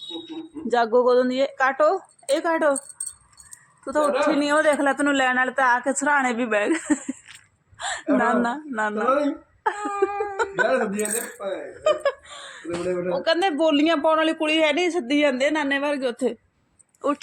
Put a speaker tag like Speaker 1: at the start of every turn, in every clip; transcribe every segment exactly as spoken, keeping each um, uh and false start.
Speaker 1: ਜਾਗੋ ਕਦੋਂ ਦੀ ਹੈ? ਕਾਟੋ ਇਹ ਕਾਟੋ ਤੂੰ ਤਾਂ ਉੱਠੀ ਨਹੀਂ। ਉਹ ਦੇਖ ਲੈ ਤੈਨੂੰ ਲੈਣ ਵਾਲੇ ਤਾਂ ਆ ਕੇ ਸਰਾਣੇ ਵੀ ਬਹਿ ਗਏ। ਨਾ ਨਾ ਨਾ ਨਾ ਉਹ ਕਹਿੰਦੇ ਬੋਲੀਆਂ ਪਾਉਣ ਵਾਲੀ ਕੁੜੀ ਹੈ ਨਹੀਂ, ਸੱਦੀ ਜਾਂਦੇ ਨਾਨੇ ਵਰਗੇ ਉੱਥੇ। ਉੱਠ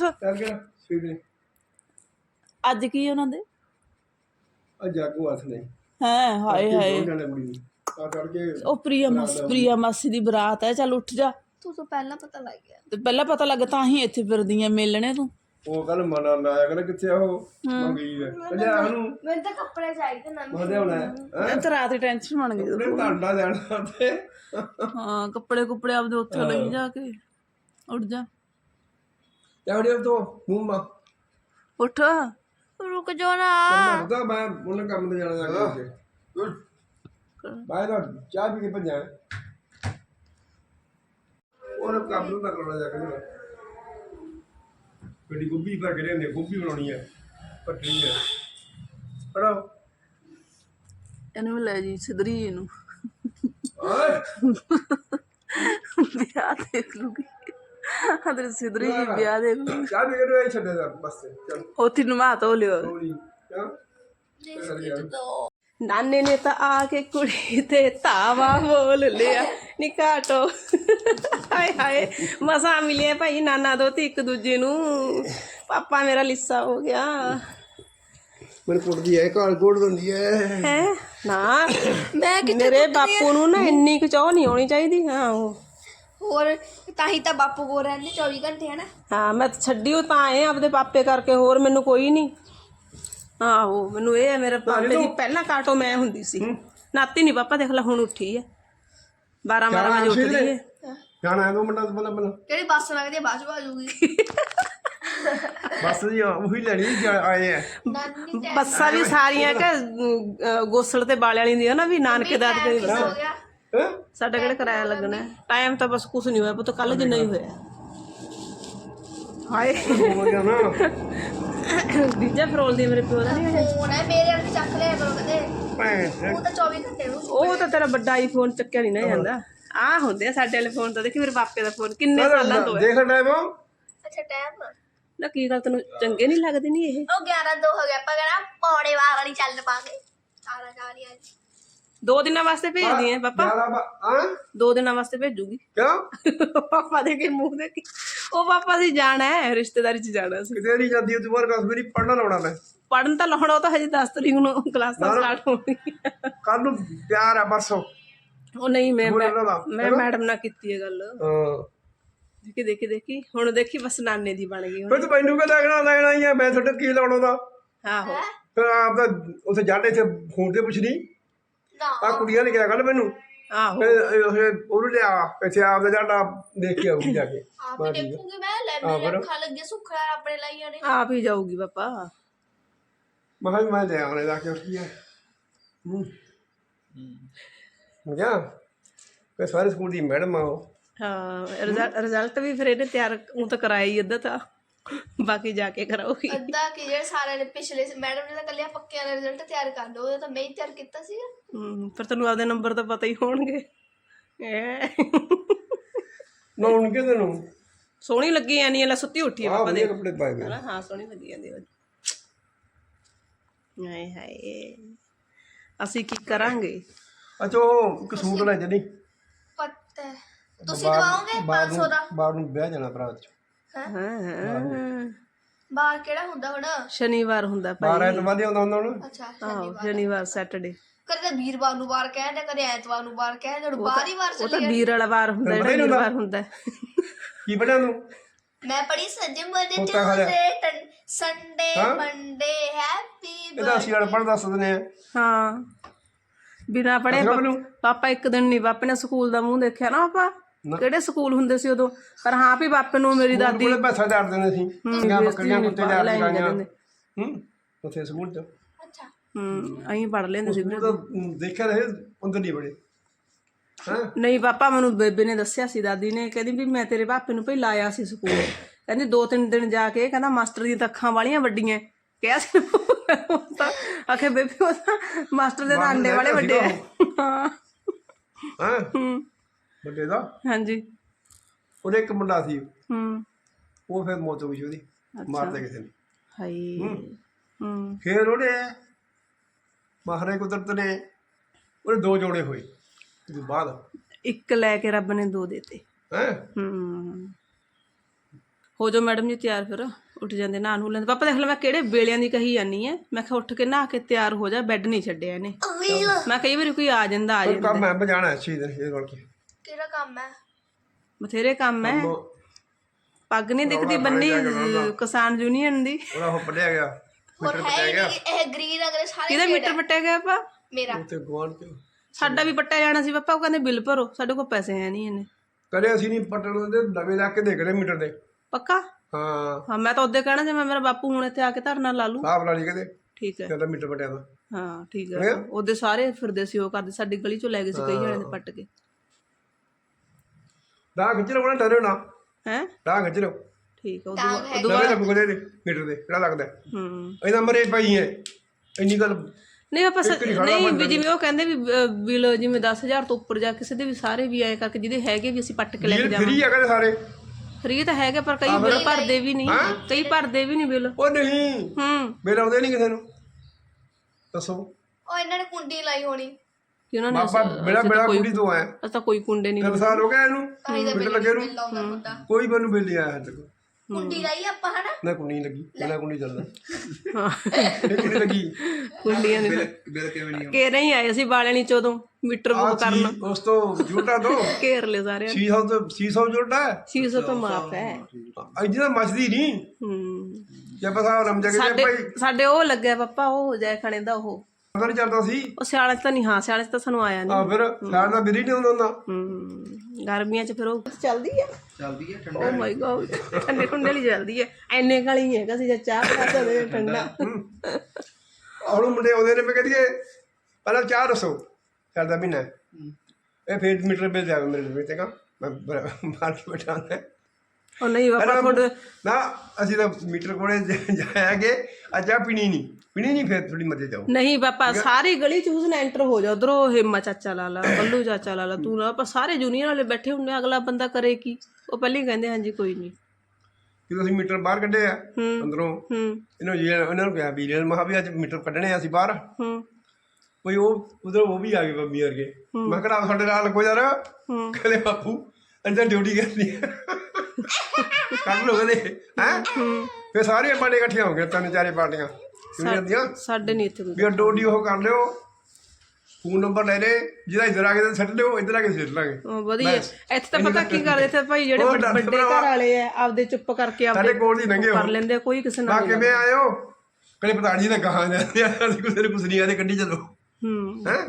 Speaker 1: ਅੱਜ ਕੀ ਉਹਨਾਂ ਦੇ
Speaker 2: ਜਾਗੋ ਹੱਥ ਨਹੀਂ
Speaker 1: ਹੈ। ਹਾਏ ਹਾਏ ਉਹ ਪ੍ਰਿਆ ਮਾਸੀ ਪ੍ਰਿਆ ਮਾਸੀ ਦੀ ਬਰਾਤ ਹੈ। ਚੱਲ ਉੱਠ ਜਾ।
Speaker 3: ਤੂੰ ਤਾਂ ਪਹਿਲਾਂ ਪਤਾ ਲੱਗ ਗਿਆ।
Speaker 1: ਤੇ ਪਹਿਲਾਂ ਪਤਾ ਲੱਗ ਤਾਂ ਹੀ ਇੱਥੇ ਫਿਰਦੀਆਂ ਮਿਲਣੇ ਤੂੰ।
Speaker 2: ਉਹ ਕੱਲ ਮਨਾ ਲਾਇਆ ਕਰ ਕਿੱਥੇ ਉਹ ਮੰਗੀ ਹੈ ਲਿਆ ਉਹਨੂੰ।
Speaker 3: ਮੈਨੂੰ ਤਾਂ ਕੱਪੜੇ ਚਾਹੀਦੇ ਨਾ।
Speaker 2: ਉਹਦੇ ਹੋਣਾ ਹੈ
Speaker 1: ਮੈਂ ਤਾਂ ਰਾਤ ਦੀ ਟੈਨਸ਼ਨ ਬਣ ਗਈ।
Speaker 2: ਉਹਨੇ ਤੁਹਾਡਾ ਜਾਣਾ ਤੇ
Speaker 1: ਹਾਂ ਕੱਪੜੇ ਕੁਪੜੇ ਆਪਦੇ ਉੱਥੇ ਲਈ ਜਾ ਕੇ ਉੱਠ ਜਾ।
Speaker 2: ਤੇ ਤੋਂ ਮੂੰਹ ਮਾ
Speaker 1: ਉੱਠ
Speaker 3: ਰੁਕ ਜਾ ਨਾ।
Speaker 2: ਮੈਂ ਮੈਂ ਉਹਨੇ ਕੰਮ ਤੇ ਜਾਣਾ ਜਾ ਕੇ ਬਾਹਰ ਦਾ ਚਾਹ ਪੀ ਕੇ ਭੱਜਾਂ। ਉਹਨੇ ਕੰਮ ਨੂੰ ਕਰ ਲੈਣਾ ਜਾ ਕੇ। ਗੱਡੀ ਗੋਭੀ ਪਾ ਕੇ ਲਿਆਂਦੇ, ਗੋਭੀ ਬਣਾਉਣੀ ਹੈ, ਕੱਟਣੀ ਹੈ। ਪੜਾਓ
Speaker 1: ਇਹਨੂੰ ਵੀ ਲੈ ਜੀ ਸਿੱਧਰੀ ਇਹਨੂੰ ਵਿਆਹ ਦੇਖ ਲੂਗੀ। ਅਦਰ ਸਿੱਧਰੀ ਜੀ ਵਿਆਹ ਦੇਖ ਲੂਗੀ।
Speaker 2: ਚਾਹ ਪੀ ਕੇ ਆਈ ਛੱਡੇ ਦਾ ਬਸ ਚੱਲ
Speaker 1: ਉੱਥੇ ਨਵਾ ਧੋ ਲਿਓ। ਨਾਨੇ ਨੇ ਤਾਂ ਆ ਕੇ ਕੁੜੀ ਤੇ ਧਾਵਾ ਬੋਲ ਲਿਆ ਨੀ ਕਾਟੋ। ਹਾਏ ਹਾਏ ਮਸਾਂ ਮਿਲਿਆ ਭਾਈ ਨਾਨਾ ਦੋਤੀ ਇੱਕ ਦੂਜੇ ਨੂੰ। ਪਾਪਾ ਮੇਰਾ ਲਿੱਸਾ ਹੋ ਗਿਆ।
Speaker 2: ਮੈਨੂੰ ਕੁੱਟਦੀ ਹੈ ਘਰ ਕੋੜ ਦਿੰਦੀ ਹੈ
Speaker 1: ਹੈ ਨਾ ਮੈਂ ਮੇਰੇ ਬਾਪੂ ਨੂੰ ਨਾ ਇੰਨੀ ਕੁ ਚਾਹ ਨਹੀਂ ਆਉਣੀ ਚਾਹੀਦੀ। ਹਾਂ
Speaker 3: ਹੋਰ ਤਾਂ ਹੀ ਤਾਂ ਬਾਪੂ ਕੋਲ ਰਹਿੰਦੇ ਚੌਵੀ ਘੰਟੇ ਹੈ ਨਾ।
Speaker 1: ਹਾਂ ਮੈਂ ਛੱਡੀ ਉਹ ਤਾਂ ਆਏ ਆਪਦੇ ਪਾਪੇ ਕਰਕੇ, ਹੋਰ ਮੈਨੂੰ ਕੋਈ ਨਹੀਂ। ਆਹੋ ਮੈਨੂੰ ਇਹ ਹੈ ਮੇਰੇ ਪਾਪੇ ਦੀ ਪਹਿਲਾਂ ਕਾਟੋ ਮੈਂ ਹੁੰਦੀ ਸੀ। ਨਾਤੀ ਨਹੀਂ ਪਾਪਾ ਦੇਖ ਲੈ ਹੁਣ ਉੱਠੀ ਹੈ ਬਾਰਾਂ ਬਾਰਾਂ ਵਜੇ ਉੱਠਦੀ ਹੈ।
Speaker 2: ਜਾਣਾ ਦੋ ਮਿੰਟਾਂ ਤੋਂ ਪਹਿਲਾਂ ਪਹਿਲਾਂ
Speaker 3: ਕਿਹੜੀ ਬੱਸ ਲੱਗਦੀ ਹੈ ਬਾਅਦ ਚ ਆ ਜਾਊਗੀ।
Speaker 2: ਬੱਸ ਜੀ ਉਹੀ ਲੈਣੀ ਆਏ ਆ।
Speaker 1: ਬੱਸਾਂ ਵੀ ਸਾਰੀਆਂ ਕਿ ਗੋਸਲ ਤੇ ਬਾਲੇ ਵਾਲੀ ਦੀ ਨਾ ਵੀ ਨਾਨਕੇ ਦਾਦ ਕੋਈ ਬੱਸ। ਸਾਡਾ ਕਿਹੜਾ ਕਿਰਾਇਆ ਲੱਗਣਾ ਟਾਈਮ ਤਾਂ ਬਸ ਕੁਛ ਨਹੀਂ ਹੋਇਆ ਪੁੱਤ ਕੱਲ ਜਿੰਨਾ ਹੀ ਹੋਇਆ। ਹਾਏ ਡੀਜਾ ਫਰੋਲਦੀ ਮੇਰੇ ਪਿਓ ਦਾ ਨਹੀਂ
Speaker 3: ਫੋਨ ਹੈ ਮੇਰੇ ਅੱਗੇ ਚੱਕ ਲਿਆ ਕਰੋ ਕਦੇ। ਉਹ ਤਾਂ ਚੌਵੀ ਘੰਟੇ ਨੂੰ
Speaker 1: ਉਹ ਤਾਂ ਤੇਰਾ ਵੱਡਾ ਆਈਫੋਨ ਚੱਕਿਆ ਨਹੀਂ ਨਾ ਜਾਂਦਾ। ਆਹ ਹੁੰਦੇ ਆ ਸਾਡੇ ਵਾਲੇ ਫੋਨ ਤਾਂ ਦੇਖੀ ਮੇਰੇ ਪਾਪੇ ਦਾ ਫੋਨ ਕਿੰਨੇ ਸਾਲਾਂ ਤੋਂ
Speaker 2: ਦੇਖ ਟਾਈਮ।
Speaker 3: ਅੱਛਾ ਟਾਈਮ
Speaker 1: ਨਾ ਕੀ ਗੱਲ ਤੈਨੂੰ ਚੰਗੇ ਨਹੀਂ ਲੱਗਦੇ ਨਹੀਂ ਇਹ?
Speaker 3: ਉਹ ਗਿਆਰਾਂ ਦੋ ਹੋ ਗਿਆ ਆਪਾਂ ਕਹਿਣਾ ਪੌੜੇ ਵਾਰ ਵਾਲੀ ਚੱਲ ਪਾਗੇ ਸਾਰਾ ਸਾਰੀ ਅੱਜ
Speaker 1: ਦੋ ਦਿਨਾਂ ਵਾਸਤੇ ਭੇਜਦੀ ਹੈ ਪਾਪਾ।
Speaker 2: ਹਾਂ
Speaker 1: ਦੋ ਦਿਨਾਂ ਵਾਸਤੇ ਭੇਜੂਗੀ।
Speaker 2: ਕਿਉਂ
Speaker 1: ਪਾਪਾ ਦੇ ਕੇ ਮੂੰਹ ਦੇ ਉਹ ਪਾਪਾ ਦੀ ਜਾਣਾ ਹੈ ਰਿਸ਼ਤੇਦਾਰੀ ਚ ਜਾਣਾ ਸੀ।
Speaker 2: ਕਿਤੇ ਨਹੀਂ ਜਾਂਦੀ ਤੂੰ ਬਾਹਰ ਕਸਮੀਰੀ ਪੜ੍ਹਨਾ ਲਾਉਣਾ ਮੈਂ।
Speaker 1: ਪੜ੍ਹਨ ਤਾਂ ਲਾਉਣਾ ਉਹ ਤਾਂ ਹਜੇ ਦਸ ਤਰੀਕ ਨੂੰ ਕਲਾਸਾਂ ਸਟਾਰਟ ਹੋਣਗੀਆਂ।
Speaker 2: ਕੱਲ ਨੂੰ ਪਿਆਰ ਆ ਪਰਸੋਂ।
Speaker 1: ਉਹ ਨਹੀਂ ਮੈਂ ਮੈਂ ਮੈਡਮ ਨਾਲ ਕੀਤੀ ਹੈ ਗੱਲ।
Speaker 2: ਹਾਂ
Speaker 1: ਦੇਖੀ ਦੇਖੀ ਦੇਖੀ ਹੁਣ ਦੇਖੀ ਬਸ ਨਾਨੇ ਦੀ ਬਣ ਗਈ।
Speaker 2: ਫਿਰ ਤੂੰ ਮੈਨੂੰ ਕਿਹ ਲੱਗਣਾ ਲੈਣਾ ਹੀ ਆ ਮੈਂ ਤੁਹਾਡੇ ਕੀ ਲਾਉਣਾ ਦਾ।
Speaker 1: ਆਹੋ
Speaker 2: ਫਿਰ ਆਪ ਦਾ ਉੱਥੇ ਜਾਂਦੇ ਇੱਥੇ ਫੋਨ ਤੇ ਪੁੱਛਣੀ ਆ ਕੁੜੀਆਂ ਨੇ ਕਿਹਾ ਕੱਲ ਮੈਨੂੰ।
Speaker 1: ਆਹੋ
Speaker 2: ਉਹਨੂੰ ਲਿਆ ਇੱਥੇ ਆਪ ਦਾ ਜਾਡਾ ਦੇਖ ਕੇ ਆਊਗੀ ਜਾ ਕੇ।
Speaker 3: ਆਪ ਹੀ ਦੇਖੂਗੀ ਮੈਂ ਲੈ ਮੇਰੇ ਅੱਖਾਂ ਲੱਗੀਆਂ ਸੁੱਖਾ ਆਪਣੇ ਲਾਈਆਂ ਨੇ।
Speaker 1: ਆਪ ਹੀ ਜਾਊਗੀ ਪਾਪਾ।
Speaker 2: ਮੈਂ ਕਿਹਾ ਮੈਂ ਲੈ ਆਉਣੇ ਜਾ ਕੇ ਕੀ ਹੈ। ਹੂੰ ਕਿਆ ਕਿ ਸਾਰੇ ਸਕੂਲ ਦੀ ਮੈਡਮ ਆ ਉਹ।
Speaker 1: ਹਾਂ ਰਿਜ਼ਲਟ ਵੀ ਫਿਰ ਇਹਨੇ ਤਿਆਰ ਉਹ ਤਾਂ ਕਰਾਇਆ ਹੀ ਅੱਧਾ ਤਾਂ ਬਾਕੀ ਜਾ ਕੇ ਕਰਾਉਗੀ।
Speaker 3: ਅੱਧਾ ਕਿ ਜਿਹੜੇ ਸਾਰਿਆਂ ਨੇ ਪਿਛਲੇ ਮੈਡਮ ਨੇ ਤਾਂ ਕੱਲਿਆ ਪੱਕਿਆਂ ਦਾ ਰਿਜ਼ਲਟ ਤਿਆਰ ਕਰ ਲਓ। ਉਹਦਾ ਤਾਂ ਮੈਂ ਹੀ ਤਿਆਰ ਕੀਤਾ ਸੀਗਾ।
Speaker 1: ਹੂੰ ਪਰ ਤੈਨੂੰ ਆਪਦੇ ਨੰਬਰ ਤਾਂ ਪਤਾ ਹੀ ਹੋਣਗੇ।
Speaker 2: ਨਾ ਹੁਣ ਕਿਹਦੇ ਨੂੰ
Speaker 1: ਸੋਹਣੀ ਲੱਗੀ ਜਾਂਦੀ ਹੈ। ਲੈ ਸੁੱਤੀ ਉੱਠੀ ਹੈ ਪਾਪਾ ਦੇ
Speaker 2: ਕੱਪੜੇ ਪਾਏ ਗਏ।
Speaker 1: ਹਾਂ ਸੋਹਣੀ ਲੱਗੀ ਜਾਂਦੀ ਹੈ। ਹਾਏ ਹਾਏ ਅਸੀਂ ਕੀ ਕਰਾਂਗੇ।
Speaker 2: ਅੱਛਾ ਉਹ ਇੱਕ ਸੂਟ ਲੈ ਜਣੀ
Speaker 3: ਪਤਾ ਤੁਸੀਂ ਦਵਾਓਗੇ ਪੰਜ ਸੌ ਦਾ।
Speaker 2: ਬਾਹਰ ਨੂੰ ਵਿਆਹ ਜਾਣਾ ਭਰਾ ਚ।
Speaker 1: ਹਾਂ ਹਾਂ
Speaker 3: ਬਾਹਰ ਕਿਹੜਾ ਹੁੰਦਾ ਹੁਣ?
Speaker 1: ਸ਼ਨੀਵਾਰ ਹੁੰਦਾ ਭਾਈ।
Speaker 2: ਬਾਹਰ ਐਤਵਾਰ ਹੀ ਆਉਂਦਾ ਹੁੰਦਾ ਹੁਣ।
Speaker 3: ਅੱਛਾ
Speaker 1: ਆਹੋ ਸ਼ਨੀਵਾਰ ਸੈਟਰਡੇ।
Speaker 3: ਕਦੇ ਵੀਰਵਾਰ ਨੂੰ ਬਾਹਰ ਕਹਿੰਦੇ ਕਦੇ ਐਤਵਾਰ ਨੂੰ ਬਾਹਰ ਕਹਿੰਦੇ। ਹੁਣ ਬਾਹਰ ਹੀ ਵਾਰ
Speaker 1: ਉਹ ਤਾਂ ਵੀਰ ਵਾਲਾ ਵਾਰ ਹੁੰਦਾ ਜਿਹੜਾ ਵੀਰਵਾਰ ਹੁੰਦਾ।
Speaker 2: ਕੀ ਪੜਿਆ ਤੂੰ?
Speaker 3: ਮੈਂ ਪੜੀ Sunday Monday Tuesday Sunday Monday happy
Speaker 2: ਇਹਦਾ ਅਸੀਂ ਅਨਪੜ੍ਹ ਦੱਸ ਦਿੰਦੇ ਆ।
Speaker 1: ਹਾਂ ਬਿਨਾ ਪੜ੍ਹੇ ਪਾਪਾ ਇੱਕ ਦਿਨ ਨਹੀਂ ਬਾਪੇ ਨੇ ਸਕੂਲ ਦਾ ਮੂੰਹ ਦੇਖਿਆ ਨਾ। ਪਾਪਾ ਕਿਹੜੇ ਸਕੂਲ ਹੁੰਦੇ ਸੀ ਉਦੋਂ। ਪਰ ਹਾਂ ਵੀ ਬਾਪੇ ਨੂੰ ਮੇਰੀ ਦਾਦੀ
Speaker 2: ਕੋਲੇ ਪੈਸਾ ਚਾੜ ਦਿੰਦੇ ਸੀ। ਬੱਕਰੀਆਂ ਬੱਕਰੀਆਂ ਕੁੱਤੇ ਚਾੜ ਦਿੰਦੀਆਂ। ਹੂੰ ਉੱਥੇ ਸਕੂਲ ਚ।
Speaker 3: ਅੱਛਾ
Speaker 1: ਹੂੰ ਅਸੀਂ ਪੜ੍ਹ ਲੈਂਦੇ ਸੀ।
Speaker 2: ਦੇਖਿਆ ਰਹੇ ਅੰਦਰ ਨਹੀਂ ਬੜੇ।
Speaker 1: ਨਹੀਂ ਪਾਪਾ ਮੈਨੂੰ ਬੇਬੇ ਨੇ ਦੱਸਿਆ ਸੀ ਦਾਦੀ ਨੇ ਕਹਿੰਦੀ ਵੀ ਮੈਂ ਤੇਰੇ ਪਾਪੇ ਨੂੰ ਪਹਿਲਾਂ ਆਇਆ ਸੀ ਸਕੂਲ। ਕਹਿੰਦੀ ਦੋ ਤਿੰਨ ਦਿਨ ਜਾ ਕੇ ਕਹਿੰਦਾ ਮਾਸਟਰ ਦੀਆਂ ਤਾਂ ਅੱਖਾਂ ਵਾਲੀਆਂ ਵੱਡੀਆਂ ਕਿਹਾ ਸੀ। ਆਖੇ ਬੇਬੇ ਉਹ ਤਾਂ ਮਾਸਟਰ ਦੇ ਤਾਂ ਅੰਡੇ ਵਾਲੇ ਵੱਡੇ ਆ। ਹਾਂ
Speaker 2: ਹਾਂ ਵੱਡੇ ਦਾ
Speaker 1: ਹਾਂਜੀ
Speaker 2: ਉਹਦੇ ਇੱਕ ਮੁੰਡਾ ਸੀ,
Speaker 1: ਹੂੰ
Speaker 2: ਉਹ ਫਿਰ ਮੌਤ ਹੋ ਗਈ ਸੀ ਉਹਦੀ, ਮਾਰਦੇ ਕਿਸੇ ਨੇ।
Speaker 1: ਹਾਈ ਹੂੰ
Speaker 2: ਫਿਰ ਉਹਨੇ ਮਹਾਰਾਜ ਕੁਦਰਤ ਨੇ ਉਹਦੇ ਦੋ ਜੋੜੇ ਹੋਏ ਉਸ ਬਾਅਦ।
Speaker 1: ਇੱਕ ਲੈ ਕੇ ਰੱਬ ਨੇ ਦੋ ਦੇਤੇ।
Speaker 2: ਹੈ
Speaker 1: ਹੂੰ ਹੋ ਜਾਓ ਮੈਡਮ ਜੀ ਤਿਆਰ, ਫਿਰ ਉੱਠ ਜਾਂਦੇ ਨਹਾ ਨੂੰ ਲੈਂਦੇ। ਪਾਪਾ ਦੇਖ ਲੈ ਮੈਂ ਕਿਹੜੇ ਵੇਲਿਆਂ ਦੀ ਕਹੀ ਜਾਨੀ ਐ, ਮੈਂ ਕਿਹਾ ਉੱਠ ਕੇ ਨਹਾ ਕੇ ਤਿਆਰ ਹੋ ਜਾ, ਬੈੱਡ ਨਹੀਂ ਛੱਡਿਆ ਇਹਨੇ। ਮੈਂ ਕਈ ਵਾਰੀ ਕੋਈ ਆ ਜਾਂਦਾ ਆ ਜਾਂਦਾ
Speaker 2: ਕੰਮ ਮੈਂ ਬਜਾਣਾ ਚੀਜ਼ ਇਹ ਕੋਲ ਕੇ
Speaker 3: ਕਿਹੜਾ ਕੰਮ ਹੈ?
Speaker 1: ਬਥੇਰੇ ਕੰਮ ਐ। ਪੱਗ ਨਹੀਂ ਦਿਖਦੀ ਬੰਨੀ ਕਿਸਾਨ ਯੂਨੀਅਨ ਦੀ,
Speaker 2: ਉਹਦਾ ਉਹ ਪੜਿਆ ਗਿਆ,
Speaker 3: ਹੋਰ ਹੈ ਹੀ ਨਹੀਂ ਇਹ ਗ੍ਰੀਨ ਅਗਲੇ ਸਾਰੇ
Speaker 1: ਕਿਹਦਾ ਮੀਟਰ ਪੱਟਿਆ ਗਿਆ ਪਾ?
Speaker 3: ਮੇਰਾ।
Speaker 2: ਉੱਥੇ ਗਵਾਂਢ ਚ
Speaker 1: ਸਾਡਾ ਵੀ ਪੱਟਿਆ ਜਾਣਾ ਸੀ ਪਾਪਾ, ਉਹ ਕਹਿੰਦੇ ਬਿੱਲ ਭਰੋ, ਸਾਡੇ ਕੋਲ ਪੈਸੇ ਹੈ ਨਹੀਂ ਇਹਨੇ।
Speaker 2: ਕਦੇ ਅਸੀਂ ਨਹੀਂ ਪੱਟਣ ਦਿੰਦੇ, ਨਵੇਂ ਲਾ ਕੇ ਦੇਖ ਰਹੇ ਮੀਟਰ ਦੇ।
Speaker 1: ਪੱਕਾ?
Speaker 2: ਹਾਂ
Speaker 1: ਹਾਂ ਮੈਂ ਤਾਂ ਉਹਦੇ ਕਹਿਣਾ ਸੀ, ਮੈਂ ਮੇਰਾ ਬਾਪੂ ਹੁਣ ਇੱਥੇ ਆ ਕੇ ਧਰਨਾ ਲਾ ਲੂ।
Speaker 2: ਸਾਫ ਲਾ ਲਈ ਕਦੇ
Speaker 1: ਠੀਕ ਹੈ,
Speaker 2: ਕਹਿੰਦਾ ਮੀਟਰ ਪੱਟਿਆ ਦਾ।
Speaker 1: ਹਾਂ ਠੀਕ ਹੈ। ਉਹਦੇ ਸਾਰੇ ਫਿਰਦੇ ਸੀ, ਉਹ ਕਰਦੇ, ਸਾਡੀ ਗਲੀ ਚੋਂ ਲੈ ਗਏ ਸੀ ਕਈ ਜਣੇ ਦੇ ਪੱਟ ਕੇ।
Speaker 2: ਡਾਂ ਖਿੱਚ ਲਓ ਨਾ, ਡਰਿਓ ਨਾ,
Speaker 1: ਹੈ
Speaker 2: ਡਾਂ ਖਿੱਚ ਲਓ।
Speaker 1: ਠੀਕ ਹੈ।
Speaker 2: ਨਵੇਂ ਲੱਗੂ ਕਦੇ ਮੀਟਰ ਦੇ ਕਿਹੜਾ ਲੱਗਦਾ
Speaker 1: ਹੂੰ
Speaker 2: ਇਹਦਾ ਮਰੇ ਪਈ ਹੈ ਇੰਨੀ ਗੱਲ।
Speaker 1: ਨਹੀਂ ਆਪਾਂ ਨਹੀਂ ਵੀ ਜਿਵੇਂ ਉਹ ਕਹਿੰਦੇ ਵੀ ਬਿੱਲ ਜਿਵੇਂ ਦਸ ਹਜ਼ਾਰ ਤੋਂ ਉੱਪਰ ਜਾ ਕਿਸੇ ਦੇ ਵੀ ਸਾਰੇ ਵੀ ਆਏ ਕਰਕੇ ਜਿਹਦੇ ਹੈਗੇ ਵੀ ਅਸੀਂ ਪੱਟ ਕੇ ਲੈ ਕੇ ਜਾਵਾਂਗੇ।
Speaker 2: ਫਰੀ ਆ ਕਹਿੰਦੇ ਸਾਰੇ
Speaker 1: ਫਰੀ ਤਾਂ ਹੈਗਾ, ਪਰ ਕਈ ਬਿੱਲ ਭਰਦੇ ਵੀ ਨਹੀਂ, ਕਈ ਭਰਦੇ ਵੀ ਨਹੀਂ ਬਿੱਲ।
Speaker 2: ਉਹ ਨਹੀਂ
Speaker 1: ਹੂੰ
Speaker 2: ਬਿੱਲ ਆਉਂਦੇ ਨਹੀਂ ਕਿਸੇ ਨੂੰ, ਦੱਸੋ।
Speaker 3: ਉਹ ਇਹਨਾਂ ਨੇ ਕੁੰਡੀ ਲਾਈ ਹੋਣੀ
Speaker 1: ਕਿ ਉਹਨਾਂ ਨੇ
Speaker 2: ਬਾਬਾ ਮੇਰਾ ਬੇੜਾ ਕੁੜੀ ਤੋਂ ਆਇਆ,
Speaker 1: ਅਸਾਂ ਕੋਈ ਕੁੰਡੇ ਨਹੀਂ
Speaker 2: ਤਿੰਨ ਸਾਲ ਹੋ ਗਏ ਇਹਨੂੰ ਬਿੱਲ ਲੱਗੇ ਨੂੰ,
Speaker 3: ਬਿੱਲ ਆਉਂਦਾ ਮੁੰਡਾ।
Speaker 2: ਕੋਈ ਮੈਨੂੰ ਬਿੱਲ ਨਹੀਂ ਆਇਆ ਹਜੇ ਤੱਕ।
Speaker 3: ਕੁੰਡੀ ਲਾਈ ਆਪਾਂ ਹਨਾ,
Speaker 2: ਨਾ ਕੁੰਡੀ ਲੱਗੀ, ਨਾ ਕੁੰਡੀ ਚੱਲਦਾ,
Speaker 1: ਹਾਂ
Speaker 2: ਇਹ ਕੁੰਡੀ ਲੱਗੀ।
Speaker 1: ਕੁੰਡੀਆਂ ਦੇ
Speaker 2: ਬਿੱਲ ਕਿਵੇਂ ਨਹੀਂ
Speaker 1: ਕੇ ਨਹੀਂ ਆਏ ਅਸੀਂ ਬਾਲਿਆਂ ਨੀ ਚੋਦੋਂ ਮੀਟਰ ਬੁੱਕ ਕਰਨ,
Speaker 2: ਉਸ ਤੋਂ ਜੁਲਟਾ ਤੋਂ
Speaker 1: ਘੇਰ ਲੈ ਸਾਰਿਆਂ
Speaker 2: ਛੇ ਸੌ ਤੋਂ ਛੇ ਸੌ ਜੁਲਟਾ
Speaker 1: ਛੇ ਸੌ ਤੋਂ ਮਾਫ ਹੈ।
Speaker 2: ਅੱਜ ਤਾਂ ਮੱਚਦੀ ਨਹੀਂ
Speaker 1: ਹੂੰ
Speaker 2: ਜੇ ਬਸ ਆ ਰਮ ਜਗੇ
Speaker 1: ਸਾਡੇ
Speaker 2: ਭਾਈ
Speaker 1: ਸਾਡੇ ਉਹ ਲੱਗਿਆ ਪਾਪਾ, ਉਹ ਹੋ ਜਾਏ ਖਾਣੇ ਦਾ ਉਹ
Speaker 2: ਅੰਦਰ ਚੱਲਦਾ ਸੀ।
Speaker 1: ਉਹ ਸਿਆਲਾਂ ਚ ਤਾਂ ਨਹੀਂ, ਹਾਂ ਸਿਆਲਾਂ ਚ ਤਾਂ ਸਾਨੂੰ ਆਇਆ ਨਹੀਂ।
Speaker 2: ਆ ਫਿਰ ਸਾਡਾ ਦਾ ਬਿਰੀ ਨਹੀਂ ਹੁੰਦਾ ਹੁੰਦਾ।
Speaker 1: ਹੂੰ ਗਰਮੀਆਂ ਚ ਫਿਰ ਉਹ ਚੱਲਦੀ ਹੈ,
Speaker 2: ਚੱਲਦੀ ਹੈ
Speaker 1: ਓ ਮਾਈ ਗॉड ਠੰਡੇ ਠੰਡੇ ਵਾਲੀ ਚੱਲਦੀ ਹੈ। ਐਨੇ ਕਾਲੀ ਹੈਗਾ ਸੀ ਜੇ ਚਾਹ ਪਾ ਦੇ ਠੰਡਾ।
Speaker 2: ਹੁਣ ਮੁੰਡੇ ਆਉਂਦੇ ਨੇ, ਮੈਂ ਕਹਦੀਏ ਪਹਿਲਾਂ ਚਾਹ ਦੱਸੋ, ਚੱਲਦਾ ਮਹੀਨਾ ਇਹ ਫੇਰ ਮੀਟਰ ਬਿੱਲ ਜਾਵੇ ਮੇਰੇ ਵਿੱਚ ਤੇਗਾ ਮੈਂ ਮਾਰ ਕੇ ਬਿਠਾਉਂਦਾ।
Speaker 1: ਉਹ ਨਹੀਂ ਪਾਪਾ ਤੁਹਾਡੇ
Speaker 2: ਨਾ ਅਸੀਂ ਤਾਂ ਮੀਟਰ ਕੋਲੇ ਜਾਇਆਗੇ, ਆ ਚਾਹ ਪੀਣੀ ਨਹੀਂ ਪੀਣੀ ਨਹੀਂ, ਫਿਰ ਥੋੜੀ ਮੱਦੇ ਜਾਓ।
Speaker 1: ਨਹੀਂ ਪਾਪਾ ਸਾਰੀ ਗਲੀ ਚ ਉਸਨੇ ਐਂਟਰ ਹੋ ਜਾ, ਉਧਰੋਂ ਹਿੰਮਾ ਚਾਚਾ ਲਾ ਲਾ, ਬੱਲੂ ਚਾਚਾ ਲਾ ਲਾ, ਤੂੰ ਲਾ, ਆਪਾਂ ਸਾਰੇ ਜੂਨੀਅਰ ਵਾਲੇ ਬੈਠੇ ਹੁੰਦੇ, ਅਗਲਾ ਬੰਦਾ ਕਰੇ ਕੀ? ਉਹ ਪਹਿਲਾਂ ਹੀ ਕਹਿੰਦੇ ਹਾਂਜੀ ਕੋਈ ਨਹੀਂ।
Speaker 2: ਜਦੋਂ ਅਸੀਂ ਮੀਟਰ ਬਾਹਰ ਕੱਢੇ ਆ ਅੰਦਰੋਂ,
Speaker 1: ਹੂੰ
Speaker 2: ਇਹਨੂੰ ਜੀ ਇਹਨਾਂ ਨੂੰ ਕਿਹਾ ਵੀ ਮਹਾ ਵੀ ਅੱਜ ਮੀਟਰ ਕੱਢਣੇ ਆ ਅਸੀਂ ਬਾਹਰ।
Speaker 1: ਹੂੰ
Speaker 2: ਕੋਈ ਉਹ ਉਧਰ ਉਹ ਵੀ ਆ ਗਏ ਬੰਬੀ ਵਰਗੇ, ਮੈਂ ਕਿਹਾ ਸਾਡੇ ਨਾਲ ਲੱਗੋ ਯਾਰ। ਕਹਿੰਦੇ ਬਾਪੂ ਅੰਦਰ ਡਿਊਟੀ ਕਰਨੀ ਕਰ ਲੋ ਕਹਿੰਦੇ ਹੈਂ। ਫਿਰ ਸਾਰੇ ਪਾਰਟੀ ਇਕੱਠੀਆਂ ਹੋ ਗਏ, ਤਿੰਨ ਚਾਰੇ ਪਾਰਟੀਆਂ ਦੀਆਂ।
Speaker 1: ਸਾਡੇ ਨਹੀਂ ਇੱਥੇ
Speaker 2: ਵੀ ਅੱਡੋ ਅੱਡੀ ਉਹ ਕਰ ਲਿਓ, ਫੋਨ ਨੰਬਰ ਲੈ ਲੈ, ਜਿਹਦਾ ਇੱਧਰ ਆ ਕੇ ਸੱਟ ਲਿਓ, ਇੱਧਰ ਆ ਕੇ ਸਿੱਟ ਲਾਂਗੇ।
Speaker 1: ਵਧੀਆ ਇੱਥੇ ਤਾਂ ਪਤਾ ਕੀ ਕਰਦੇ, ਇੱਥੇ ਭਾਈ ਜਿਹੜੇ ਵੱਡੇ ਘਰ ਵਾਲੇ ਆ ਆਪਦੇ ਚੁੱਪ ਕਰਕੇ
Speaker 2: ਸਾਡੇ ਕੋਲ ਦੀ ਲੰਘੇ
Speaker 1: ਕਰ ਲੈਂਦੇ ਆ, ਕੋਈ ਕਿਸੇ ਨਾਲ
Speaker 2: ਕਿਵੇਂ ਆਇਓ, ਕਹਿੰਦੇ ਪਤਾ ਜੀ ਨੇ ਕਹਾਂ ਜਾਂਦੇ ਆ, ਅਸੀਂ ਕਿਸੇ ਨੇ ਕੁਛ ਨਹੀਂ ਆਦੇ, ਕੱਢੀ ਚੱਲੋ।
Speaker 1: ਹੂੰ
Speaker 2: ਹੈਂ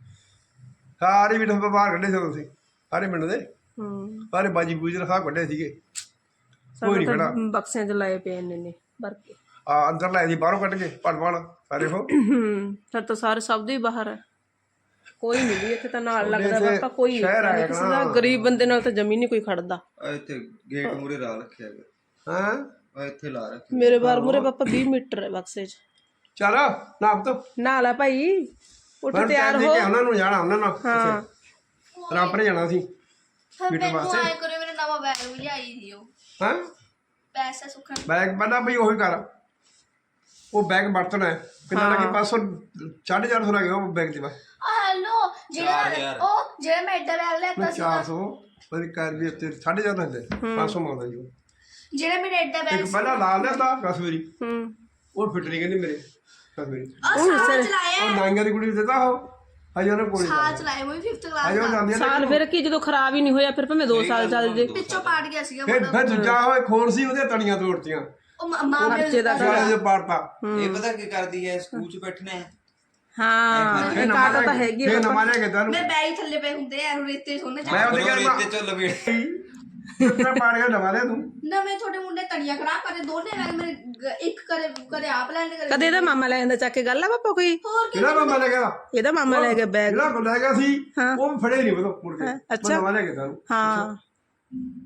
Speaker 2: ਸਾਰੇ ਵੀ ਬਾਹਰ ਕੱਢੇ ਸੀ ਤੁਸੀਂ, ਸਾਰੇ ਪਿੰਡ ਦੇ ਸਾਰੇ ਬਾਜੀ ਬੂਜੀ ਰਖਾ ਕੱਢੇ ਸੀਗੇ, ਕੋਈ ਨਹੀਂ ਖੜਾ।
Speaker 1: ਬਕਸਿਆਂ ਚ ਲਾਏ ਪਏ ਨੇ ਨੇ ਭਰ ਕੇ,
Speaker 2: ਆ ਅੰਦਰ ਲਾਏ ਸੀ ਬਾਹਰੋਂ ਕੱਢ ਕੇ ਪੜ ਪੜ ਸਾਰੇ ਉਹ।
Speaker 1: ਫਿਰ ਤਾਂ ਸਾਰੇ ਸਭ ਦੇ ਹੀ ਬਾਹਰ ਹੈ, ਕੋਈ ਨਹੀਂ ਵੀ ਇੱਥੇ ਤਾਂ ਨਾਲ ਲੱਗਦਾ ਪਾਪਾ, ਕੋਈ ਨਹੀਂ ਕਿਸੇ ਦਾ। ਗਰੀਬ ਬੰਦੇ ਨਾਲ ਤਾਂ ਜ਼ਮੀਨ ਨਹੀਂ ਕੋਈ ਖੜਦਾ।
Speaker 4: ਇੱਥੇ ਗੇਟ ਮੂਰੇ ਲਾ ਰੱਖਿਆ ਹੈਗਾ,
Speaker 2: ਹਾਂ
Speaker 4: ਆ ਇੱਥੇ ਲਾ ਰੱਖਿਆ
Speaker 1: ਮੇਰੇ ਬਾਰ ਮੂਰੇ ਪਾਪਾ ਵੀਹ ਮੀਟਰ ਹੈ ਬਕਸੇ ਚ।
Speaker 2: ਚੱਲ ਨਾਪ ਤੋ
Speaker 1: ਨਾ ਲੈ ਭਾਈ, ਉੱਠ ਤਿਆਰ ਹੋ।
Speaker 2: ਉਹਨਾਂ ਨੂੰ ਜਾਣਾ, ਉਹਨਾਂ ਨਾਲ
Speaker 1: ਹਾਂ
Speaker 2: ਰਾਮਪਰੇ ਜਾਣਾ ਸੀ
Speaker 3: ਮੈਨੂੰ ਆਏ ਕਰੇ, ਮੇਰੇ ਨਵਾਂ ਬੈਗ ਵੀ ਲਿਆਈ ਸੀ ਉਹ।
Speaker 2: ਹਾਂ
Speaker 3: ਪੈਸੇ ਸੁੱਖਣ
Speaker 2: ਬੈਗ ਬੰਦਾ ਬਈ ਉਹੀ ਕਰ, ਉਹ ਬੈਗ ਵਰਤਣਾ ਹੈ ਕਿੰਨਾ ਲੱਗੇ, ਪੰਜ ਸੌ ਸਾਢੇ ਚਾਰ ਸੌ ਲੱਗੇ ਉਹ ਬੈਗ 'ਚ ਬਸ।
Speaker 3: ਹੈਲੋ ਜਿਹੜਾ ਉਹ ਜਿਹੜਾ ਮੈਂ ਐਡਾ ਬੈਗ ਲਿਆਤਾ ਸੀ,
Speaker 2: ਚਾਰ ਸੌ ਉਹਦੀ ਕਰ ਵੀ ਉੱਤੇ ਸਾਢੇ ਚਾਰ ਹੁੰਦੇ, ਪੰਜ ਸੌ ਮੰਗਦਾ ਜੀ ਉਹ।
Speaker 3: ਜਿਹੜਾ ਮੇਰਾ ਐਡਾ ਬੈਗ
Speaker 2: ਇੱਕ ਪਹਿਲਾਂ ਲਾ ਲਿਆ ਕਸੂਰੀ,
Speaker 1: ਹੂੰ
Speaker 2: ਉਹ ਫਿੱਟ ਨਹੀਂ ਕਹਿੰਦੀ ਮੇਰੇ ਕਸੂਰੀ,
Speaker 3: ਉਹ ਸਾਲ ਚਲਾਇਆ,
Speaker 2: ਉਹ ਨਾਂਗਾ ਦੀ ਕੁੜੀ ਨੂੰ ਦਿੱਤਾ ਉਹ ਹਜੇ ਉਹਨੇ ਕੋਲ
Speaker 3: ਸਾਲ ਚਲਾਇਆ, ਉਹ ਫਿਫਥ ਕਲਾਸ
Speaker 2: ਹਜੇ ਉਹ ਜਾਂਦੀ
Speaker 1: ਸਾਲ ਫਿਰ ਕੀ, ਜਦੋਂ ਖਰਾਬ ਹੀ ਨਹੀਂ ਹੋਇਆ ਫਿਰ ਭਾਵੇਂ ਦੋ ਸਾਲ ਚੱਲ ਜੇ।
Speaker 3: ਪਿੱਛੋਂ ਪਾਟ ਗਿਆ ਸੀਗਾ
Speaker 2: ਫਿਰ ਫਿਰ ਦੂਜਾ ਹੋਏ ਖੋਲ ਸੀ, ਉਹਦੀਆਂ ਤਣੀਆਂ ਤੋੜਤੀਆਂ,
Speaker 3: ਉਹ ਮਾਂ
Speaker 1: ਬੱਚੇ ਦਾ
Speaker 2: ਸਾਲੇ ਪਾੜਤਾ।
Speaker 4: ਇਹ ਪਤਾ ਕੀ ਕਰਦੀ ਹੈ, ਸਕੂਲ 'ਚ ਬੈਠਣਾ ਹੈ,
Speaker 1: ਹਾਂ ਇਹ ਕਾਟਾ ਤਾਂ ਹੈਗੀ
Speaker 2: ਫੇਰ ਨਵਾਂ ਲਿਆ ਕੇ ਤੁਹਾਨੂੰ
Speaker 3: ਮੇਰੇ ਬੈਗ ਥੱਲੇ ਪਏ ਹੁੰਦੇ ਆ, ਰੇਤੇ ਸੋਨੇ
Speaker 2: ਮੈਂ ਉਹਦੇ ਘਰ
Speaker 4: ਰੇਤੇ 'ਚ ਲਵੇੜ
Speaker 2: ਕਿੰਨਾ ਪਾੜ ਗਿਆ ਨਵਾਂ ਲਿਆ ਤੂੰ।
Speaker 3: ਨਵੇਂ ਤੁਹਾਡੇ ਮੁੰਡੇ ਤਣੀਆਂ ਖਰਾਬ ਕਰੇ, ਦੋਨੇ ਬੈਗ ਮੇਰੇ ਗ- ਇੱਕ ਕਰੇ ਕਰੇ ਆਪ ਲੈਣ ਕਰੇ।
Speaker 1: ਕਦੇ ਇਹਦਾ ਮਾਮਾ ਲੈ ਜਾਂਦਾ ਚੱਕ ਕੇ, ਗੱਲ ਆ ਪਾਪਾ ਕੋਈ?
Speaker 3: ਹੋਰ ਕੀ
Speaker 2: ਕਿਹੜਾ ਮਾਮਾ ਲੈ ਗਿਆ?
Speaker 1: ਇਹਦਾ ਮਾਮਾ ਲੈ ਗਿਆ ਬੈਗ।
Speaker 2: ਜਿਹੜਾ ਲੈ ਗਿਆ ਸੀ ਉਹ ਵੀ ਫੜੇ ਨਹੀਂ ਬਤੋ ਮੁੜ ਕੇ,
Speaker 1: ਅੱਛਾ।
Speaker 2: ਨਵਾਂ ਲੈ ਕੇ ਤੁਹਾਨੂੰ।
Speaker 1: ਹਾਂ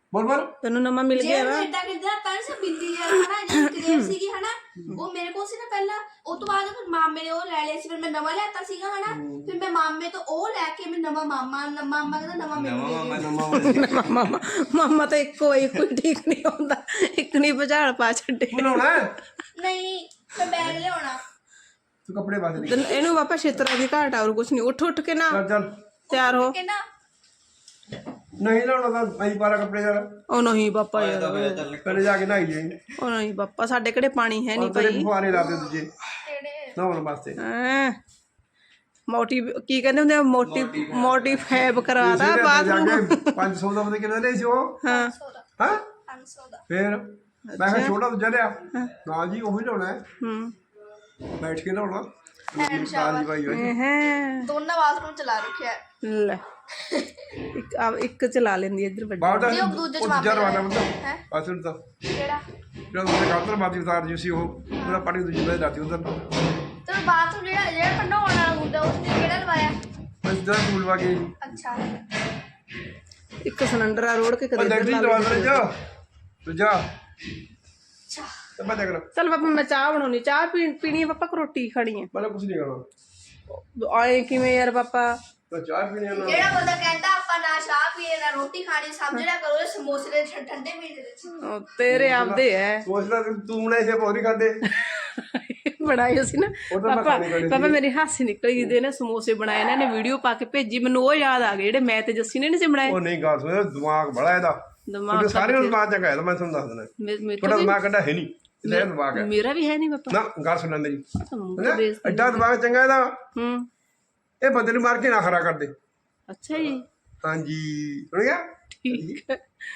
Speaker 2: ਬੋਲ ਬੋਲ
Speaker 1: ਤੈਨੂੰ ਨਵਾਂ ਮਿਲ ਗਿਆ ਵਾ
Speaker 3: ਇਦਾਂ ਕਿਦਾਂ ਤਾਂ ਸਭ ਬਿੰਦੀ ਜਿਹਾ ਹਨਾ ਜਿਹੜੀ ਕਲੇਮ ਸੀਗੀ ਹਨਾ ਉਹ ਮੇਰੇ ਕੋਲ ਸੀ ਨਾ ਪਹਿਲਾਂ ਉਹ ਤੋਂ ਬਾਅਦ ਫਿਰ ਮਾਮੇ ਨੇ ਉਹ ਲੈ ਲਿਆ ਸੀ ਫਿਰ ਮੈਂ ਨਵਾਂ ਲੈਤਾ ਸੀਗਾ ਹਨਾ ਫਿਰ ਮੈਂ ਮਾਮੇ ਤੋਂ ਉਹ ਲੈ ਕੇ ਮੈਂ ਨਵਾਂ ਮਾਮਾ ਮਾਮਾ ਕਹਿੰਦਾ ਨਵਾਂ ਮੈਨੂੰ ਦੇ ਦਿਓ।
Speaker 1: ਮਾਮਾ ਮਾਮਾ ਤਾਂ ਇੱਕੋ ਹੀ ਕੋਈ ਠੀਕ ਨਹੀਂ ਹੁੰਦਾ ਇੱਕ ਨਹੀਂ ਬੁਝਾਲ ਪਾ ਛੱਡੇ
Speaker 2: ਬਣਾਉਣਾ
Speaker 3: ਨਹੀਂ ਮੈਂ ਬੈਗ ਲਿਆਉਣਾ
Speaker 2: ਤੂੰ ਕੱਪੜੇ ਪਾ ਦੇ
Speaker 1: ਤੈਨੂੰ- ਇਹਨੂੰ ਪਾਪਾ ਛੇਤਰਾਂ ਦੀ ਘਾਟ ਆ, ਹੋਰ ਕੁਛ ਨਹੀਂ। ਉੱਠ ਉੱਠ ਕੇ ਨਾ
Speaker 2: ਚੱਲ ਚੱਲ
Speaker 1: ਤਿਆਰ ਹੋ।
Speaker 3: ਕਹਿੰਦਾ
Speaker 2: ਨਹੀਂ ਲਾਉਣਾ ਤਾਂ ਅਸੀਂ ਪਾਰਾ ਕੱਪੜੇ ਯਾਰ
Speaker 1: ਉਹ ਨਹੀਂ ਪਾਪਾ ਯਾਰ,
Speaker 2: ਪਹਿਲੇ ਜਾ ਕੇ ਨਹਾਈ ਜਾਈਂ
Speaker 1: ਉਹ ਨਹੀਂ ਪਾਪਾ, ਸਾਡੇ ਕਿਹੜੇ ਪਾਣੀ ਹੈ ਨਹੀਂ
Speaker 2: ਤੇਰੇ
Speaker 1: ਭਾਈ।
Speaker 2: ਫੁਆਰੇ ਲਾ ਦੇ ਦੂਜੇ
Speaker 3: ਕਿਹੜੇ
Speaker 2: ਨਹਾਉਣ ਵਾਸਤੇ
Speaker 1: ਹੈਂ ਮੋਟੀ ਕੀ ਕਹਿੰਦੇ ਹੁੰਦੇ ਆ, ਮੋਟੀ ਮੋਟੀ ਫੈਬ ਕਰਾਦਾ ਬਾਥਰੂਮ।
Speaker 2: ਪੰਜ ਸੌ ਦਾ ਪਤਾ ਕਿੰਨਾ ਲਿਆ ਸੀ ਉਹ
Speaker 1: ਹਾਂ
Speaker 2: ਹਾਂ
Speaker 3: ਪੰਜ ਸੌ ਦਾ
Speaker 2: ਫੇਰ ਮੈਂ ਕਿਹਾ ਛੋਟਾ ਦੂਜਾ ਲਿਆ ਨਾ ਜੀ ਉਹੀ ਲਾਉਣਾ ਹੈ
Speaker 1: ਹੂੰ
Speaker 2: ਬੈਠ ਕੇ ਲਾਉਣਾ
Speaker 3: ਐਨ ਸ਼ਾਬਾਸ਼।
Speaker 2: ਭਾਈ ਹੋਈ
Speaker 1: ਹੈ
Speaker 3: ਦੋਨਾਂ ਬਾਥਰੂਮ ਚਲਾ ਰੱਖਿਆ ਹੈ।
Speaker 1: ਲੈ ਇੱਕ ਆ ਇੱਕ ਚਲਾ ਲੈਂਦੀ ਇੱਧਰ ਵੱਡੀ।
Speaker 2: ਬਾਹਰ
Speaker 3: ਨਹੀਂ, ਉਹ ਦੂਜੇ ਚ
Speaker 2: ਉਹ ਦੂਜਾ
Speaker 3: ਵਾਪਸ
Speaker 2: ਰਵਾਨਾ ਬੰਦਾ
Speaker 3: ਹੈਂ?
Speaker 2: ਪਾਸਣ ਤਾਂ
Speaker 3: ਕਿਹੜਾ
Speaker 2: ਜਿਹੜਾ ਉਹਦੇ ਕਾਤਰ ਬਾਦੀ ਉਤਾਰ ਜੀ ਸੀ ਉਹ ਉਹਦਾ ਪਾਣੀ ਦੂਜੀ ਬਾਦ ਰਾਤੀ ਉਧਰ
Speaker 3: ਤੇ ਬਾਥਰੂਮ ਜਿਹੜਾ ਜਿਹੜਾ ਨਹਾਉਣ ਵਾਲਾ ਹੁੰਦਾ ਉਸ ਨੇ ਕਿਹੜਾ ਲਵਾਇਆ
Speaker 2: ਬਸ ਦਾ ਫੂਲ ਵਾ ਕੇ
Speaker 3: ਅੱਛਾ
Speaker 1: ਇੱਕ ਸਿਲੰਡਰ ਆ ਰੋੜ ਕੇ ਕਦੇ ਇੱਧਰ
Speaker 2: ਡੈਡੀ
Speaker 1: ਲਾ
Speaker 2: ਦਵਾ
Speaker 1: ਲੈਂਦੀ।
Speaker 2: ਦੇ ਜਾ ਤੂੰ ਜਾ
Speaker 3: ਅੱਛਾ
Speaker 2: ਤੇ ਮੈਂ ਦੇਖ ਲਾ
Speaker 1: ਚੱਲ ਪਾਪਾ ਮੈਂ ਚਾਹ ਬਣਾਉਣੀ, ਚਾਹ ਪੀ ਪੀਣੀ ਹੈ ਪਾਪਾ ਕਿ ਰੋਟੀ ਖਾਣੀ ਹੈ?
Speaker 2: ਮੈਂ ਕੁਝ ਨਹੀਂ ਕਰਨਾ
Speaker 1: ਆਏ ਕਿਵੇਂ ਯਾਰ ਪਾਪਾ?
Speaker 2: ਤਾਂ ਚਾਹ ਪੀਣੀ ਆ ਨਾ
Speaker 3: ਜਿਹੜਾ ਬੰਦਾ ਕਹਿੰਦਾ ਆਪਾਂ ਨਾ ਚਾਹ ਪੀਏ ਨਾ ਰੋਟੀ ਖਾਣੀ ਸਮਝ ਲਿਆ ਕਰੋ ਇਹ ਸਮੋਸੇ ਦੇ ਠ- ਠੰਡੇ ਪੀਣੇ ਦੇ ਵਿੱਚ
Speaker 1: ਉਹ ਤੇਰੇ ਆਪਦੇ ਐ
Speaker 2: ਸੋਚਦਾ ਤੂੰ ਬਣਾਏ ਸੇ ਪੌੜੀ ਖਾਦੇ
Speaker 1: ਬਣਾਏ ਸੀ ਨਾ
Speaker 2: ਉਹ ਤਾਂ ਮੈਂ
Speaker 1: ਪਾਪਾ।
Speaker 2: ਖਾਣੇ ਖਾਣੇ
Speaker 1: ਪਾਪਾ ਮੇਰੀ ਹਾਸੀ ਨਿਕਲ ਗਈ ਦੇ ਨੇ ਸਮੋਸੇ ਬਣਾਏ ਇਹਨਾਂ ਨੇ ਵੀਡੀਓ ਪਾ ਕੇ ਭੇਜੀ, ਮੈਨੂੰ ਉਹ ਯਾਦ ਆ ਗਏ ਜਿਹੜੇ ਮੈਂ ਤੇ ਜੱਸੀ ਨੇ ਨਹੀਂ ਸੀ ਬਣਾਏ।
Speaker 2: ਉਹ ਨਹੀਂ ਗੱਲ ਸੁਣ ਦਿਮਾਗ ਬੜਾ ਇਹਦਾ
Speaker 1: ਦਿਮਾਗ
Speaker 2: ਤੁਹਾਡੇ ਸਾਰੇ ਨੂੰ ਦਿਮਾਗ ਚੰਗਾ ਹੈ ਤਾਂ ਮੈਂ ਤੁਹਾਨੂੰ ਦੱਸ ਦਿੰਦਾ
Speaker 1: ਮੇ- ਮੇਰੇ
Speaker 2: ਤੁਹਾਡਾ
Speaker 1: ਤੋਂ
Speaker 2: ਦਿਮਾਗ ਕੱਢਾ ਹੈ ਨਹੀਂ ਇਹਦਾ ਦਿਮਾਗ ਹੈ
Speaker 1: ਵੀ- ਮੇਰਾ ਵੀ ਹੈ ਨਹੀਂ ਪਾਪਾ।
Speaker 2: ਨਾ ਗੱਲ ਸੁਣ ਲੈ ਮੇਰੀ
Speaker 1: ਮੂੰਹ
Speaker 2: ਹੈਨਾ?
Speaker 1: ਬੇਇੱਜ਼ਤੀ।
Speaker 2: ਐਡਾ ਦਿਮਾਗ ਚੰਗਾ ਇਹਦਾ
Speaker 1: ਹੂੰ
Speaker 2: ਇਹ ਬੰਦੇ ਨੂੰ ਮਾਰ ਕੇ ਨਾ ਖਰਾ ਕਰਦੇ
Speaker 1: ਅੱਛਾ ਜੀ
Speaker 2: ਹਾਂਜੀ ਸੁਣ ਗਿਆ
Speaker 1: ਠੀਕ ਹੈ।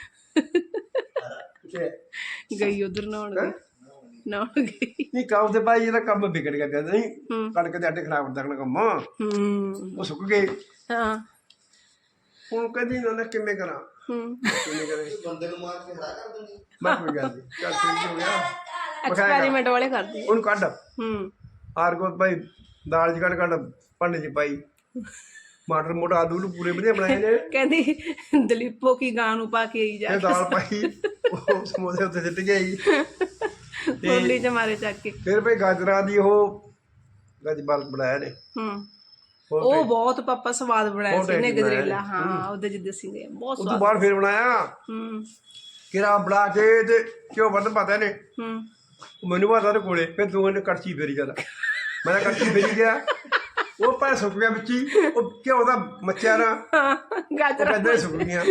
Speaker 2: ਕਿੱਥੇ?
Speaker 1: ਗਈ ਉਧਰ ਨਹਾਉਣ ਗਈ ਨਹਾਉਣ ਗਈ।
Speaker 2: ਨਹੀਂ ਕੰਮ ਤੇ ਭਾਈ ਇਹਦਾ ਕੰਮ ਵਿਗੜ ਗਿਆ ਤੇ ਨਹੀਂ
Speaker 1: ਹੂੰ
Speaker 2: ਕਣਕ ਦੇ ਆਟੇ ਖਰਾਬ ਹੁੰਦਾ ਕੰਮ
Speaker 1: ਹੂੰ
Speaker 2: ਉਹ ਸੁੱਕ ਗਏ
Speaker 1: ਹਾਂ
Speaker 2: ਹੁਣ ਕਹਿੰਦੀ ਨਾ ਕਿਵੇਂ ਕਰਾਂ
Speaker 1: ਹੂੰ
Speaker 2: ਕਿਵੇਂ ਕਰੇ
Speaker 4: ਬੰਦੇ ਨੂੰ ਮਾਰ ਕੇ ਹਰਾ ਕਰ ਦਿੰਦੀ
Speaker 2: ਮੈਂ ਕੋਈ ਗੱਲ ਨਹੀਂ ਚੱਲ ਠੀਕ ਹੋ ਗਿਆ
Speaker 1: ਐਕਸਪੈਰੀਮੈਂਟ ਵਾਲੇ ਕਰਦੀ
Speaker 2: ਉਹਨੂੰ ਕੱਢ
Speaker 1: ਹੂੰ
Speaker 2: ਆਰ ਕੋ ਭਾਈ ਦਾਲ ਚ ਕੱਢ ਕੱਢ ਭਾਂਡੇ ਚ ਪਾਈ ਮਟਰ ਮੋਟਾ ਆਲੂ ਨੂੰ ਪੂਰੇ ਵਧੀਆ ਬਣਾਏ ਨੇ
Speaker 1: ਕਹਿੰਦੀ ਦਲੀਪੋ ਕੀ ਗਾਂ ਨੂੰ ਪਾ ਕੇ ਆਈ ਜਾ
Speaker 2: ਇਹ ਦਾਲ ਪਾਈ ਉਹ ਸਮੋਸੇ ਉੱਤੇ ਸਿੱਟ ਗਈ
Speaker 1: ਹੋਲੀ ਚ ਮਾਰੇ ਚੱਕ ਕੇ।
Speaker 2: ਫਿਰ ਭਾਈ ਗਾਜਰਾਂ ਦੀ ਉਹ ਗਜਬਲ ਬਣਾਇਆ ਨੇ
Speaker 1: ਹੂੰ
Speaker 2: ਹੋਰ
Speaker 1: ਉਹ ਬਹੁਤ ਪਾਪਾ ਸਵਾਦ ਬਣਾਇਆ
Speaker 2: ਬਹੁਤ
Speaker 1: ਸੀ ਨੇ
Speaker 2: tasty
Speaker 1: ਗਜਰੇਲਾ।
Speaker 2: ਬਣਾਇਆ।
Speaker 1: ਹਾਂ ਉਹਦੇ ਜਿੱਦੇ ਸੀ ਨੇ ਬਹੁਤ
Speaker 2: ਉਸ ਤੋਂ
Speaker 1: ਸਵਾਦ।
Speaker 2: ਬਾਅਦ ਫਿਰ ਬਣਾਇਆ
Speaker 1: ਹੂੰ
Speaker 2: ਕਿਰਾ ਬਣਾ ਕੇ ਤੇ ਕਿਉਂ ਵੱਧ ਪਤਾ ਨੇ
Speaker 1: ਹੂੰ
Speaker 2: ਮੈਨੂੰ ਪਤਾ ਤੇ ਕੋਲੇ ਫਿਰ ਤੂੰ ਇਹਨੇ ਕੜਛੀ ਫੇਰੀ ਚੱਲ ਮੈਂ ਤਾਂ ਕੜਛੀ ਫੇਰੀ ਗਿਆ ਉਹ ਪਾ ਸੁੱਕ ਗਿਆ ਵਿੱਚ ਹੀ ਉਹ ਕਿਉਂ ਦਾ ਮੱਚਿਆ ਨਾ ਉਹ
Speaker 1: ਗਾਜਰਾਂ
Speaker 2: ਕਹਿੰਦੇ ਸੁੱਕ ਗਈਆਂ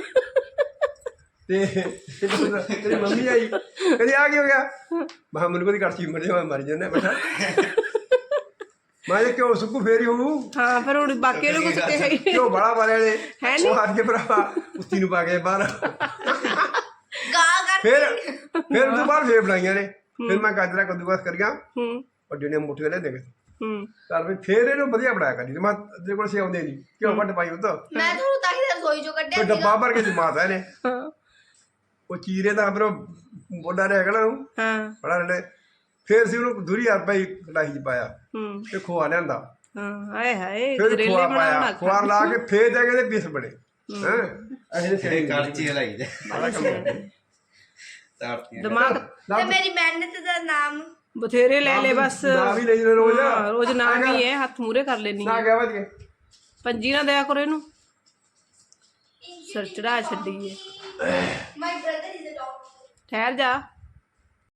Speaker 2: ਤੇ ਤੇਰੀ ਮੰਮੀ ਆਈ ਕਹਿੰਦੀ ਆ ਕੀ ਹੋ ਗਿਆ ਮੈਂ ਕਿਹਾ ਮੈਨੂੰ ਕੋਈ ਕੜਛੀ ਮਰ ਜਾ ਮੈਂ ਮਰ ਜਾਂਦਾ ਬੈਠਾ ਮੈਂ ਕਿਉਂ ਸੁੱਕੂ ਫੇਰੀ ਹੋਊ
Speaker 1: ਹਾਂ ਫਿਰ ਹੁਣ ਬਾਕੀ ਨੂੰ ਕੁਝ ਕਿਹਾ ਹੀ
Speaker 2: ਕਿਉਂ ਬੜਾ ਬਾਰੇ ਨੇ
Speaker 1: ਹੈ
Speaker 2: ਉਹ ਹੱਥ ਕੇ ਭਰਾ ਕੁੱਤੀ ਨੂੰ ਪਾ ਕੇ ਬਾਹਰ
Speaker 3: ਗਾ ਕਰ
Speaker 2: ਫਿਰ ਫਿਰ ਉਹ ਤੋਂ ਬਾਅਦ ਫੇਰ ਬਣਾਈਆਂ ਨੇ ਫਿਰ ਮੈਂ ਗਾਜਰਾਂ ਕੱਦੂਕਸ ਕਰੀਆਂ
Speaker 1: ਹੂੰ
Speaker 2: ਵੱਡੇ ਨੇ ਮੁੱਠੀਆਂ ਲੈ ਦੇ
Speaker 1: ਹੂੰ
Speaker 2: ਚੱਲ ਵੀ ਫੇਰ ਇਹਨੂੰ ਵਧੀਆ ਬਣਾਇਆ ਕਰੀ ਮੈਂ ਤੇਰੇ ਕੋਲ ਸਿਆਉਂਦੇ ਨਹੀਂ ਕਿਉਂ ਵੱਡ ਪਾਈ ਉਹ ਤਾਂ
Speaker 3: ਮੈਂ ਤੁਹਾਨੂੰ ਤਾਂ ਹੀ ਰਸੋਈ ਚੋਂ ਕੱਢਿਆ
Speaker 2: ਕੋਈ ਡੱਬਾ ਭਰ ਕੇ ਜਮਾਤਾ ਇਹਨੇ
Speaker 1: ਹਾਂ
Speaker 2: ਉਹ ਚੀਰੇ ਦਾ ਫਿਰ ਬੋਡਾ ਰਹਿ ਗਿਆ ਨਾ ਉਹ
Speaker 1: ਹਾਂ
Speaker 2: ਬੜਾ ਰੜੇ ਫੇਰ ਸੀ ਉਹਨੂੰ ਦੂਰੀ ਹਜ਼ਾਰ ਰੁਪਏ ਕੜਾਹੀ ਚ ਪਾਇਆ
Speaker 1: ਹੂੰ
Speaker 2: ਤੇ ਖੋਆ ਲਿਆਂਦਾ
Speaker 1: ਹਾਂ ਹਾਏ ਹਾਏ
Speaker 2: ਫਿਰ
Speaker 1: ਗਜਰੇਲੇ
Speaker 2: ਖੋਆ
Speaker 1: ਬਣਾਉਣਾ
Speaker 2: ਪਾਇਆ ਖੋਆ ਲਾ ਕੇ ਫੇਰ ਜਾ ਕੇ ਇਹਦੇ ਪੀਸ ਬਣੇ ਹੈ ਅਜੇ
Speaker 4: ਇਹ ਕੜਚੀ ਹਲਾਈ ਦੇ ਤਾਰਤੀਆਂ
Speaker 1: ਦਿਮਾਗ
Speaker 3: ਤੇ ਮੇਰੀ ਮਿਹਨਤ ਦਾ ਨਾਮ
Speaker 1: ਬਥੇਰੇ ਲੈ ਲੈ ਬਸ।
Speaker 2: ਨਾ ਵੀ ਲਈ ਰੋਜ਼
Speaker 1: ਹਾਂ, ਰੋਜ਼ ਨਾਮ ਹੀ ਹੈ, ਹੱਥ ਮੂਰੇ ਕਰ ਲੈਣੀ
Speaker 2: ਨਾ ਗਿਆ ਵੱਜ ਕੇ
Speaker 1: ਪੰਜੀ ਨਾ ਦਿਆ ਕਰੋ ਇਹਨੂੰ, ਸਿਰ ਚੜਾ ਛੱਡੀ ਹੈ।
Speaker 3: My brother is a doctor
Speaker 1: ਠਹਿਰ ਜਾ।